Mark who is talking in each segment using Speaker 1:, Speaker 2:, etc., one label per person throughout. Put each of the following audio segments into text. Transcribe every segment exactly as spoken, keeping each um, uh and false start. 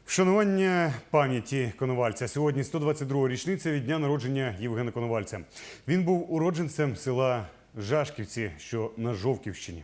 Speaker 1: Вшанування пам'яті Коновальця. Сьогодні сто двадцять друга річниця від дня народження Євгена Коновальця. Він був уродженцем села Жашківці, що на Жовківщині.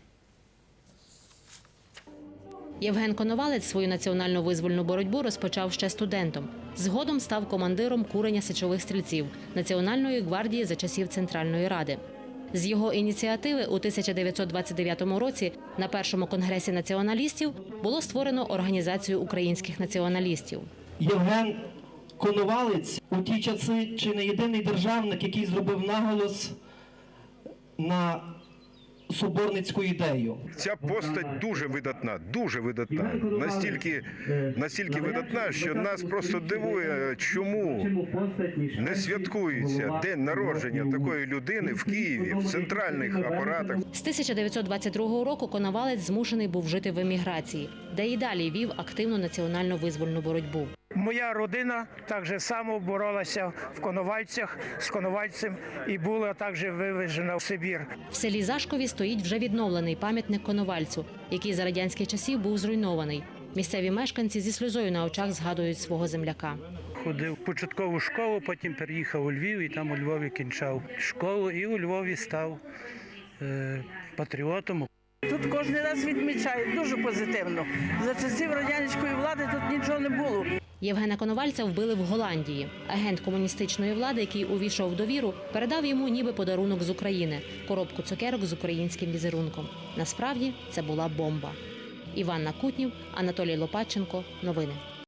Speaker 2: Євген Коновалець свою національно-визвольну боротьбу розпочав ще студентом. Згодом став командиром курення січових стрільців Національної гвардії за часів Центральної Ради. З його ініціативи у тисяча дев'ятсот двадцять дев'ятому році на першому конгресі націоналістів було створено Організацію українських націоналістів.
Speaker 3: Євген Коновалець у ті часи чи не єдиний державник, який зробив наголос на соборницьку ідею.
Speaker 4: Ця постать дуже видатна, дуже видатна. Настільки, настільки видатна, що нас просто дивує, чому не святкується день народження такої людини в Києві, в центральних апаратах.
Speaker 2: З тисяча дев'ятсот двадцять другого року Коновалець змушений був жити в еміграції, де і далі вів активну національно-визвольну боротьбу.
Speaker 5: Моя родина так же само боролася в Коновальцях з Коновальцем і була також вивезена в Сибір.
Speaker 2: В селі Зашкові стоїть вже відновлений пам'ятник Коновальцю, який за радянських часів був зруйнований. Місцеві мешканці зі сльозою на очах згадують свого земляка.
Speaker 6: Ходив в початкову школу, потім переїхав у Львів і там у Львові кінчав школу і у Львові став е, патріотом.
Speaker 7: Тут кожен раз відмічають дуже позитивно. За часів радянської влади тут нічого не було.
Speaker 2: Євгена Коновальця вбили в Голландії. Агент комуністичної влади, який увійшов в довіру, передав йому ніби подарунок з України – коробку цукерок з українським візерунком. Насправді це була бомба. Іванна Кутнів, Анатолій Лопатченко. Новини.